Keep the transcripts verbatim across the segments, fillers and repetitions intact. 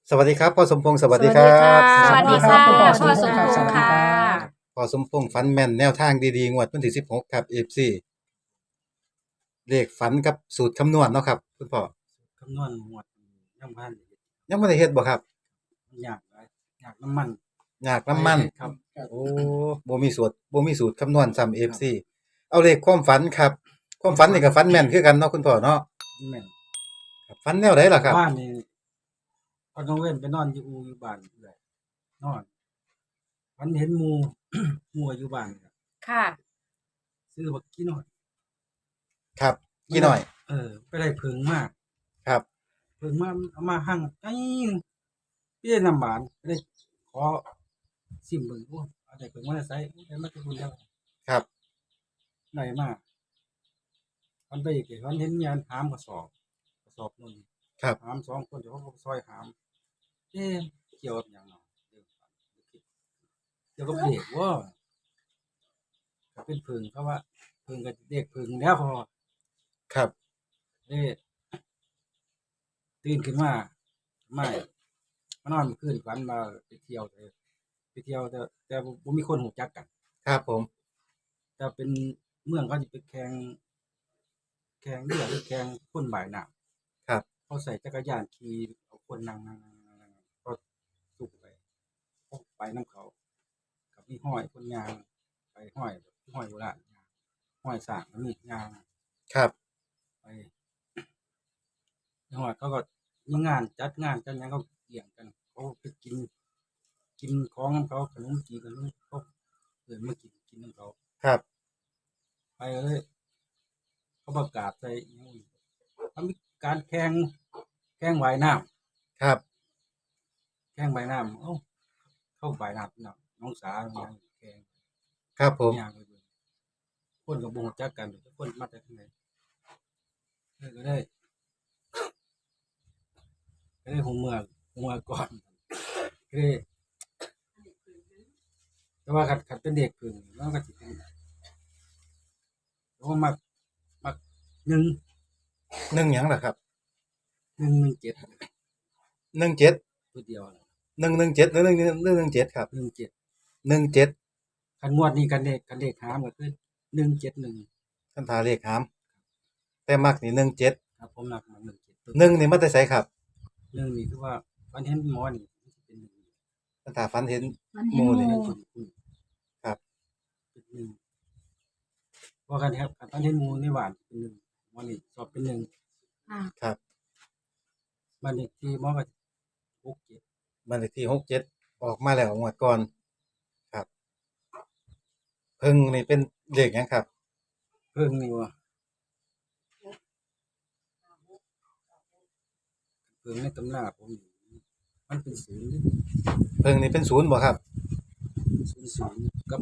สวัสดีครับพ่อสมพงศ์สวัสสวัสดีครัดีค่ะบสวัสดีค่ะคุณพ่อสพ่อมสพมงษ์พค่ะงสวัษ์สดีค่ะค่ะพ่อสมพงศ์ฝันแม่นแนวทางดีๆงวดวันที่สิบหกครับ เอ เอฟ ซี เลขฝันกับสูตรคำนวณเนาะครับคุณพ่อคำนวณหมวดยังพันเฮ็ดยังบ่ได้เฮ็ดบ่ครับมันยากหลายยากน้ำมันยากน้ำมันครับโอ้บ่มีสูตรบ่มีสูตรคำนวณซ้ำ เอ เอฟ ซีครับเอาเลขความฝันครับความฝันนี่ก็ฝันแม่นคือกันเนาะคุณพ่อเนาะแม่นครับฝันแนวใดล่ะครับบ้านนี่พอน้องเว้นไปนอนอยู่อูอยู่บ้านเอื้อยนอนฝันเห็นหมู่ หมู่อยู่บ้านนี่ครับค่ะซื้อบักกี้น้อยครับกี่หน่อยเออไปได้ผึ่งมาครับผึ่งมาเอามาหั่งไอ้เปี้ยน้ำบานได้ขอซิมเบิ่งโอ้เอาได้ผึ่งมาได้ใส่ได้มาแต่คุณแล้วครับได้มามันไปอีกเดี๋ยวมันเห็นยานหามกระสอบกระสอบนึงครับหามสองคนเดี๋ยวเขาก็ซอยหามเอ๊ะเกี่ยวกับหยังเนาะเดี๋ยวเกี่ยวกับเด็กว่าก็เป็นผึ่งเขาว่าผึ่งกับเด็กผึ่งแล้วพอครับเอ๊ะตื่นขึ้นมาไม่มานอนเมื่อคืนฝันมาไปเที่ยวแต่ไปเที่ยวแต่แต่บ่มีคนหูจักกันครับผมแต่เป็นเมืองเขาจะไปแข่งแข่งเรือหรือแข่งคนบ่ายน้ำครับเขาใส่จักรยานขี่เอาคนนั่งนั่งนั่งนั่งนั่งก็สุกไปพกไปน้ำเขากับมีห้อยคนยางไปห้อยแบบห้อยโบราณยางห้อยสร้างแล้วมียางครับไปจังหวัดเขาก็มีงานจัดงานจัดหยังเขาเกี่ยงกันเขาไปกิน กินของน้ำเขาขนมจีนขนมเขาเดินมากินกินน้ำเขาครับไปเลยเขาประกาศใส่อิหยังอีกเขามีการแข่งแข่งว่ายน้ำครับแข่งว่ายน้ำเอ้าเข้าว่ายน้ำน้ำน้องสาวน้องแข่งครับผมย่างไปเบิ่งคนกับบ่งจักกันทุกคนมาจากที่ไหนเออก็ได้ก็ได้หัวเมืองหัวเมืองก่อนก็ได้แต่ว่าขัดขัดเป็นเด็กพึ่งแล้วก็สิเป็นแล้วก็มักมักหนึ่งหนึ่งหยังล่ะครับหนึ่งหนึ่งเจ็ดหนึ่งเจ็ดตัวเดียวน่ะหนึ่งหนึ่งเจ็ดหรือหนึ่งหนึ่งหนึ่งเจ็ดครับหนึ่งเจ็ดหนึ่งเจ็ดคันงวดนี้กันเด็กกันเด็กหามก็คือหนึ่งเจ็ดหนึ่งคันทาเลขหามแต่มักนี่หนึ่งเจ็ดครับผมนักมาหนึ่งเจ็ดหนึ่งนี่มาแต่ไสครับหนึ่งนี่คือว่าวันเห็นหมอนี่มันสิเป็นหนึ่งคันทาฝันเห็นมันหเห็นมู่หนี่มู่เป็นคุณครับเป็นหนึ่งว่ากันครับตอนเห็นหมูในหวานเป็นหนึ่งวันนี้สอบเป็นหนึ่งค่ะครับวันนี้ที่หมอก็หกเจ็ดบ้านเลขที่หกเจ็ดออกมาแล้วงวดก่อนครับเพิ่งนี่เป็นเลขหยังครับเพิ่งนี่ว่าเพิ่งในตำราผมนี่มันเป็นศูนย์เพิ่งนี่เป็นศูนย์บ่ครับศูนย์ศูนย์กับ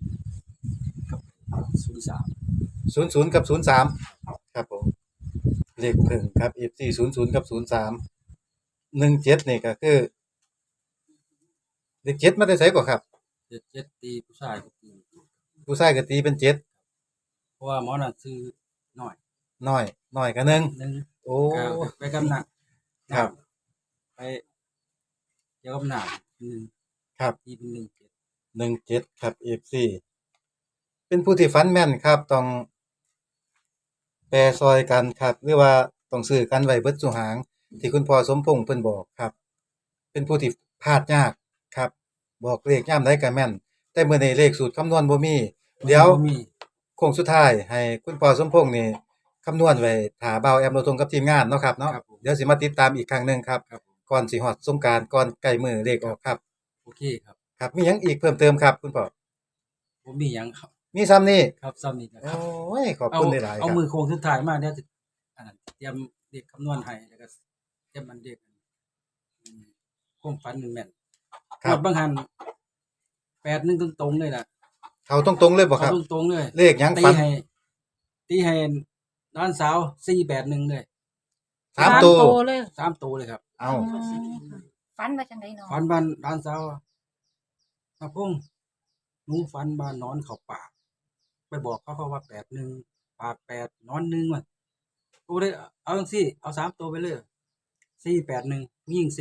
กับศูนย์สามศูนย์ศูนย์กับศูนย์สามครับผมเลขเพิ่งครับ เอฟ ซี ศูนย์ศูนย์กับศูนย์สามหนึ่งเจ็ดนี่ก็คือเลขเจ็ดมาแต่ไสบ่ครับเจ็ดเจ็ดตีผู้ชายก็ตีผู้ชายก็ตีเป็นเจ็ดเพราะว่าหมอน่ะซื้อน้อยน้อยน้อยก็หนึ่งหนึ่งโอ้ก็ไปกำหนักครับไปเกี่ยวกับหนักหนึ่งครับตีเป็นหนึ่งเจ็ดหนึ่งเจ็ดครับ เอฟ ซี เป็นผู้ที่ฝันแม่นครับ ต้องแปรซอยกันครับ หรือว่าต้องซื้อกันไว้เบิดซุหาง ที่คุณพ่อสมพงษ์เพิ่นบอกครับ เป็นผู้ที่พลาดยากครับ บอกเลขยามใดก็แม่น แต่มื้อนี้เลขสูตรคำนวณบ่มี เดี๋ยวบ่มีโค้งสุดท้ายให้คุณพ่อสมพงษ์นี่คำนวณไว้ถ้าเบาแอมเราทงกับทีมงานเนาะครับเนาะครับผมเดี๋ยวสิมาติดตามอีกครั้งหนึงครับครับผมก่อนสิฮอดสงกรานต์ก่อนใกล้มื้อเลขออกครับโอเคครับครับ มีหยังอีกเพิ่มเติมครับ คุณพ่อผมมีหยังครับมีซ้ำนี่ครับซ้ำนี่นะคโอ้รับยขอบเอาคุณหลายๆคเอารับมือโค้งสุดท้ายมาเดี๋ยวจะอันนั้นเตรียมเด็กคำนวณให้แล้วก็เตรียมมันเด็กอืมความฝันมันแม่นครับงวดบางหันแปดหนึ่งตรงๆเลยล่ะเขาตรงๆเลยบ่ครับเอาตรงๆเลยเลขหยังตีฝันให้ตีให้น้านสาวสี่แปดหนึ่งเลยสามตัวเลยสามตัวเลยครับเอาฟันมาจังไดเนาะฝันบ้านน้านสาวตาพงหนูฝันบ้านนอนเขาปาก ไปบอกเขาเขาว่าแปดหนึ่งปากแปดนอนหนึ่งมันกูได้เอาจังสี่เอาสามตัวไปเลยสี่แปดหนึ่งยิ่งสี่อยู่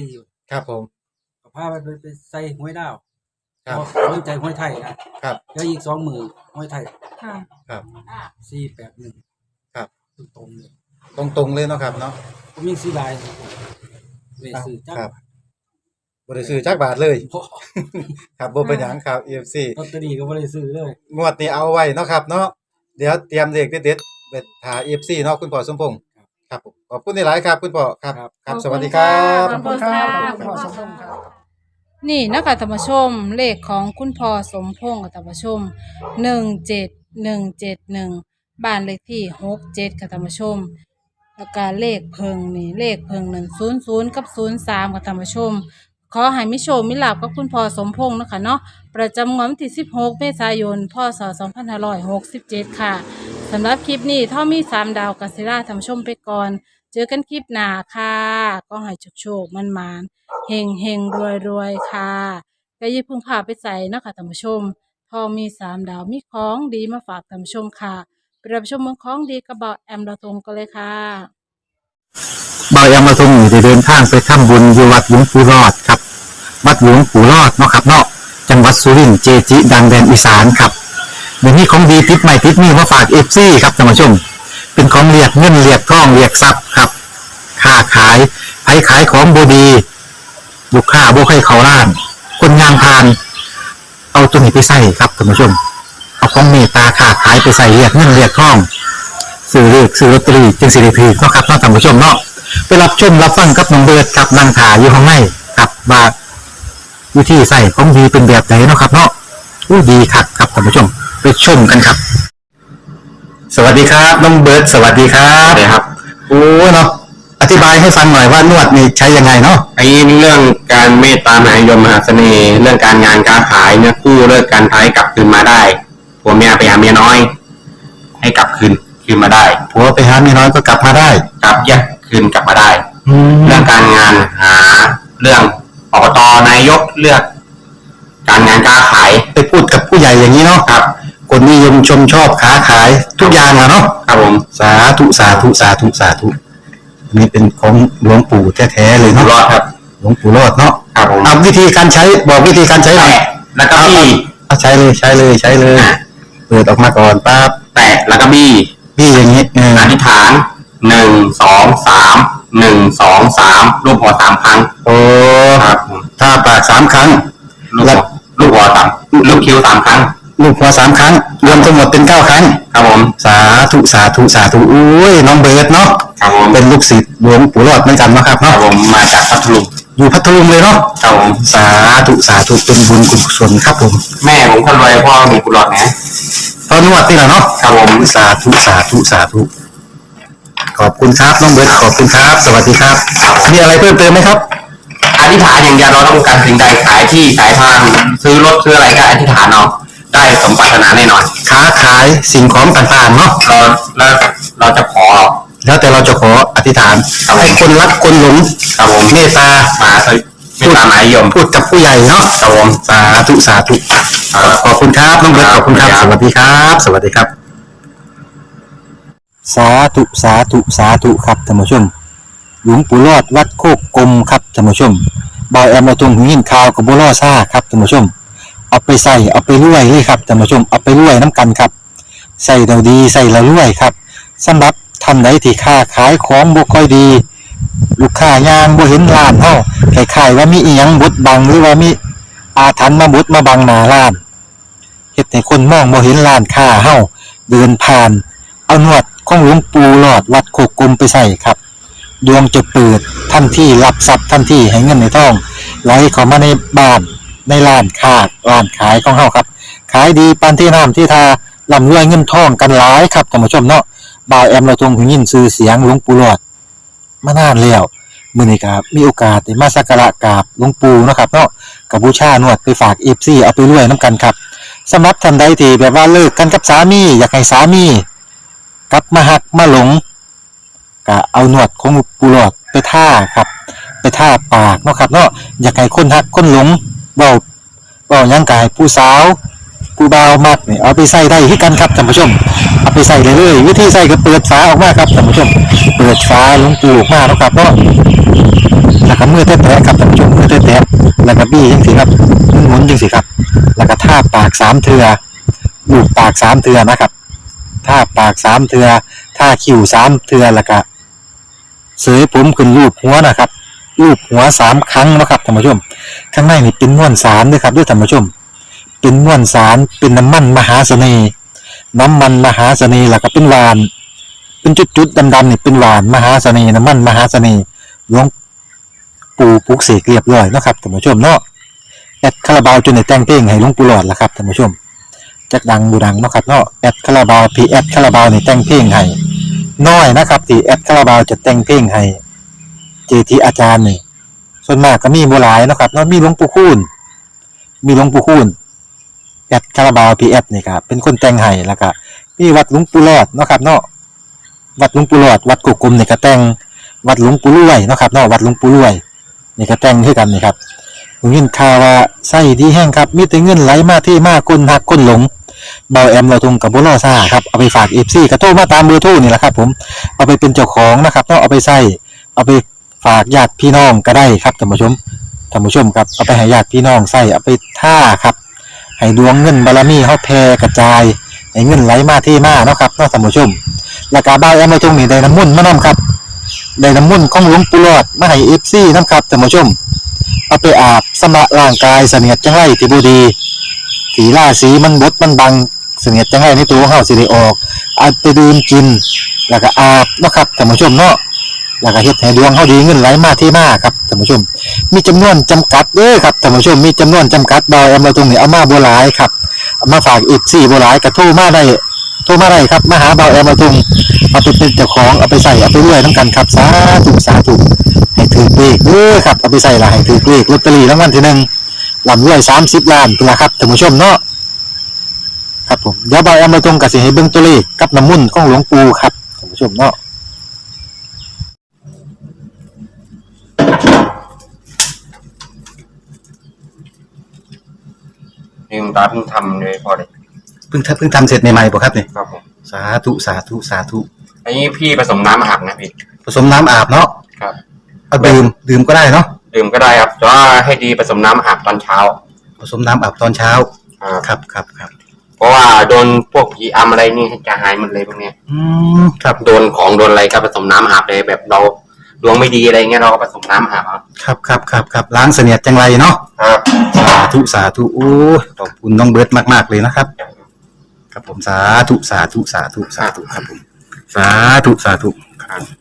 ครับผมก็พาไปไปใส่ห้วยดาวครับสนใจห้วยไทยนะครับ แล้วอีกสองมือห้วยไทยค่ะครับสี่แปดหนึ่งครับตรงๆเลยตรงๆเลยเนาะครับเนาะผมยังซื้อได้เลยซื้อจักครับบ่ได้ซื้อจักบาทเลยบ่ครับบ่เป็นหยังครับ เอฟ ซีลอตเตอรี่ก็บ่ได้ซื้อเลยงวดนี้เอาไว้เนาะครับเนาะเดี๋ยวเตรียมเลขเด็ดๆไปหา เอฟ ซี เนาะคุณพ่อสมพงษ์ครับผมขอบคุณหลายๆครับคุณพ่อครับครับสวัสดีครับขอบคุณค่ะขอบคุณครับขอบคุณค่ะนี่นะคะธรรมชมเลขของคุณพ่อสมพงษ์กับธรรมชมหนึ่งเจ็ดหนึ่งเจ็ดหนึ่งบ้านเลขที่หกเจ็ดค่ะธรรมชมแล้วก็เลขเพิงนี่เลขเพิงหนึ่งศูนย์ศูนย์กับศูนย์สามค่ะธรรมชมขอให้มิโชคมิลาบกับคุณพ่อสมพงษ์นะคะเนาะประจำงวดวันที่สิบหกเมษายนพศสองพันห้าร้อยหกสิบเจ็ดค่ะสำหรับคลิปนี้เท่ามีสามดาวกัสซิล่าธรรมชมไปก่อน เจอกันคลิปหน้าค่ะก็ให้โชคๆมันมานๆเฮงเฮงรวยรวยๆค่ะก็อยิ่าเพึ่งพาไปใส่เนาะคะท่านผู้ชมทองมีสามดาวมีของดีมาฝากท่านผู้ชมค่ะไปรับชมเมืองของดีกระเบาแอมเราทงกันเลยค่ะบายามาทรงอยู่ได้เดินทางไปทำบุญอยู่วัดหลวงปู่รอดครับ วัดหลวงปู่รอดเนาะครับเนาะจังหวัดสุรินทร์เจจิ ดังแดนอีสานครับเดี๋ยวนี้ของดีติดใหม่ติดนี่มาฝากเอฟซีครับท่านผู้ชม เป็นของเรียกเงินเรียกทองเรียกทรัพย์ครับค้าขายไผขายของบดีลูกค้าบ่ให้เขาล้าน คนงานพาน เอาตัวนี้ไปใส่ครับท่านผู้ชม เอาของเมตตาค้าขายไปใส่เรียกเงินเรียกทองซื้อเลขซื้อลอตเตอรี่จึงสิริพีเนาะครับเนาะท่านผู้ชมเนาะไปรับชมรับฟังกับน้องเบิร์ดกับนางถาอยู่ข้างในกับว่าวิธีใส่ของดีเป็นแบบไหนเนาะครับเนาะอู้ดีคักครับท่านผู้ชมไปชมกันครับ สวัสดีครับน้องเบิร์ดสวัสดีครับสวัสดีครับโอ้เนาะอธิบายให้ฟังหน่อยว่านวดนี่ใช้ยังไงเนาะไอ้เรื่องการเมตตามหานิยมมหาเสน่ห์เรื่องการงานการขายเนี่ยคู่เลิกการท้ายกลับคืนมาได้ผัวเมียไปหาเมียน้อย ให้กลับคืนคืนมาได้ผัวไปหาเมียน้อยก็กลับมาได้กลับแยกคืนกลับมาได้แล้เรื่วองการงานหาเรื่องอบตนายกเลือก การงานการขายไปพูดกับผู้ใหญ่อย่างนี้เนาะครับคนนิยมชมชอบค้าขายทุกอย่างอะเนาะครับผมสาธุสาธุสาธุสาธุอันนี้เป็นของหลวงปู่แท้ๆเลยอยู่เนาะรอดครับหลวงปู่รอดเนาะครับผมเอาวิธีการใช้บอกวิธีการใช้หน่อยแตะแล้วก็บี้เอาใช้เลยใช้เลยใช้เลยเปิดออกมาก่อนปั๊บแตะแล้วก็บี้พี่อย่างนี้เอออธิษฐานหนึ่งสองสามหนึ่งสองสามรูปหัวสามครั้งโอ้ครับผมถ้าปากสามครั้งลูกหัวลูกหัวสามลูกคิ้วสามครั้งลูกหัวสามครั้ง รวมทั้งหมดเป็นเก้าครั้งครับผมสาธุสาธุสาธุอุ้ยน้องเบิร์ดเนาะครับผมเป็นลูกศิษย์หลวงปู่รอดเหมือนกันเนาะครับครับเนาะผมมาจากพัทลุงอยู่พัทลุงเลยเนาะครับผมสาธุสาธุเป็นบุญกุศลครับผมแม่ผมคนรวยพ่อมีกุหลาบนะตอนนวดนี่แหละเนาะครับผมสาธุสาธุสาธุขอบคุณครับน้องเบิร์ดขอบคุณครับ สวัสดีครับมีอะไรเพิ่มเติมไหมครับอธิษฐานอย่างเดียวเราต้องการสิ่งใดขายที่ขายทางซื้อรถซื้ออะไรก็อธิษฐานเอาได้สมปรารถนาแน่นอนค้าขายสิ่งของต่างๆเนาะเราแล้วเราจะขอแล้วแต่เราจะขออธิษฐานให้คนรักคนหลงครับผมเมตตามาเถอะไม่ตามหมายยมพูดกับผู้ใหญ่เนาะครับผมสาธุสาธุขอบคุณครับน้องเบิร์ตขอบคุณครับ สวัสดีครับ สวัสดีครับ สาธุสาธุสาธุครับท่านผู้ชม หลวงปู่รอดวัดโคกกลมครับท่านผู้ชมบอยแอมมาตรงหูยินข่าวกับบัวล่อซ่าครับท่านผู้ชม เอาไปใส่เอาไปรวยเลยครับท่านผู้ชมเอาไปรวยน้ำกันครับใส่เราดีใส่เรารวยครับสำหรับท่านใดที่ค้าขายของบ่ค่อยดี ลูกค้ายางบ่เห็นร้านเฮาคล้ายๆว่ามีอีหยังบดบังหรือว่ามีอาถรรพ์มาบดมาบังหน้าร้านเฮ็ดให้คนมองบ่เห็นร้านค้าเฮาเดินผ่าน เอาหนวดของหลวงปู่หลอดวัดโคกกลมไปใส่ครับดวงจะเปิดทันทีรับทรัพย์ทันทีให้เงินในท้องไหลเข้ามาในบ้านในร้านค้าร้านขายของเฮาครับขายดีปานที่น้ำที่ทาร่ำรวยเงินทองกันหลายครับท่านผู้ชมเนาะบ่าวแอมเราทรงหูยินชื่อเสียงหลวงปู่หลอดมานานแล้วมื้อนี้ก็มีโอกาสได้มาสักการะกราบหลวงปู่เนาะครับเนาะก็บูชานวดไปฝาก เอฟ ซี เอาไปรวยนํกันครับสำหรับท่านใดที่แบบว่าเลิกกันกับสามีอยากให้สามีกลับมาหักมาหลงก็เอาหนวดของปูหลอดไปท่าครับไปท่าปากเนาะครับเนาะอยากให้คนหักคนหลงเว้าเว้าหยังกายผู้สาวผู้บาวมักนี่เอาไปใส่ได้ที่กันครับท่านผู้ชมเอาไปใส่เลยเลยวิธีใส่ก็เปิดฝาออกมาครับท่านผู้ชมเปิดฝาหลวงปู่ออกมาแล้วครับเนาะแล้วก็มือแตะๆครับท่านผู้ชมมือแตะๆแล้วก็บี้จังซี่ครับหมุนๆจังซี่ครับแล้วก็ทาปากสามเทื่อลูบปากสามเทื่อนะครับทาปากสามเทื่อทาคิ้วสามเทื่อแล้วก็เสยผมขึ้นรูปหัวนะครับรูปหัวสามครั้งนะครับท่านผู้ชมข้างในนี่เป็นม้วนสารด้วยครับด้วยท่านผู้ชมเป็นม้วนสารเป็นน้ำมันมหาเสน่ห์น้ำมันมหาเสน่ห์แล้วก็เป็นหวานเป็นจุดๆดำๆนี่เป็นหวานมหาเสน่ห์น้ำมันมหาเสน่ห์หลวงปู่ปลุกเสกเรียบร้อยแล้วครับท่านผู้ชมเนาะแอดคาราบาวจนได้แต่งเพลงให้หลวงปู่หลอดแล้วครับท่านผู้ชมจักดังบูดังเนาะครับเนาะแอดคาราบาวพีแอดคาราบาวนี่แต่งเพลงให้น้อยนะครับที่แอดคาราบาวจะแต่งเพลงให้เจทีอาจารย์นี่ส่วนมากก็มีบ่หลายเนาะครับเนาะมีหลวงปู่คูณมีหลวงปู่คูณแอดคาราบาวพีแอดนี่ครับเป็นคนแต่งให้แล้วก็มีวัดหลวงปู่หลอดเนาะครับเนาะวัดหลวงปู่หลอดวัดกุกกลมนี่ก็แต่งวัดหลวงปู่รวยเนาะครับเนาะวัดหลวงปู่รวยนี่ก็แต่งคือกันนี่ครับผมยินข่าวว่าไส้ดีแห้งครับมีแต่เงินไหลมาที่มาคนหักคนหลงเบาแอมเราทงกับบ่ล่อซ่าครับเอาไปฝาก เอฟ ซี ก็โทรมาตามเบอร์โทรนี่แหละครับผมเอาไปเป็นเจ้าของนะครับเนาะเอาไปใส่เอาไปฝากญาติพี่น้องก็ได้ครับท่านผู้ชมท่านผู้ชมครับเอาไปให้ญาติพี่น้องใส่เอาไปท่าครับให้ดวงเงินบารมีเฮาแผ่กระจายให้เงินไหลมาที่มาเนาะครับเนาะท่านผู้ชมแล้วก็เบาแอมเราทงนี่ได้น้ำมนต์มานํครับได้น้ำมนต์ของหลวงปู่หลอดมาให้ เอฟ ซี นํครับท่านผู้ชมเอาไปอาบสำระร่างกายเสนียดจังไรที่บ่ดีสีราสีมันบดมันบังเสนียดจังไรในตัวเฮาสิได้ออกเอาไปดื่มกินแล้วก็อาบเนาะครับท่านผู้ชมเนาะแล้วก็เฮ็ดให้ดวงเฮาดีเงินไหลมาที่มาครับท่านผู้ชมมีจำนวนจำกัดเด้อครับท่านผู้ชมมีจำนวนจำกัดบ่เอามาตรงนี้เอามาบ่หลายครับเอามาฝาก เอฟ ซี บ่หลายก็โทรมาได้โทรมาได้ครับมาหาบ่าวแอมมาตรงเอาไปเป็นเจ้าของเอาไปใส่เอาไปรวยนำกันครับสาธุสาธุให้ถือเลขเด้อครับเอาไปใส่ละให้ถือเลขลอตเตอรี่รางวัลที่หนึ่งลำรวยสามสิบล้านพุ่นล่ะครับท่านผู้ชมเนาะครับผมเดี๋ยวบ่าวแอมมาตรงก็สิให้เบิ่งตัวเลขกับน้ำมนต์ของหลวงปู่ครับท่านผู้ชมเนาะนี่คุณตาเพิ่งทำเลยพอเลยเพิ่งทำเพิ่งทำเสร็จใหม่ๆป่ะครับเนี่ยครับผมสาธุสาธุสาธุอันนี้พี่ผสมน้ำอาบนะพี่ผสมน้ำอาบเนาะครับเอาดื่มดื่มก็ได้เนาะดื่มก็ได้ครับแต่ว่าให้ดีผสมน้ำอาบตอนเช้าผสมน้ำอาบตอนเช้าครับครับครับครับเพราะว่าโดนพวกผีอำอะไรนี่จะหายหมดเลยพวกเนี้ยอืมครับโดนของโดนอะไรก็ผสมน้ำอาบเลยแบบเราดวงไม่ดีอะไรเงี้ยเราก็ผสมน้ำอาบครับครับครับครับครับล้างเสนียดจังไรเนาะครับสาธุสาธุโอ้ยขอบคุณน้องเบิร์ตมากๆเลยนะครับ ครับผมสาธุสาธุสาธุสาธุครับผมสาธุสาธุครับ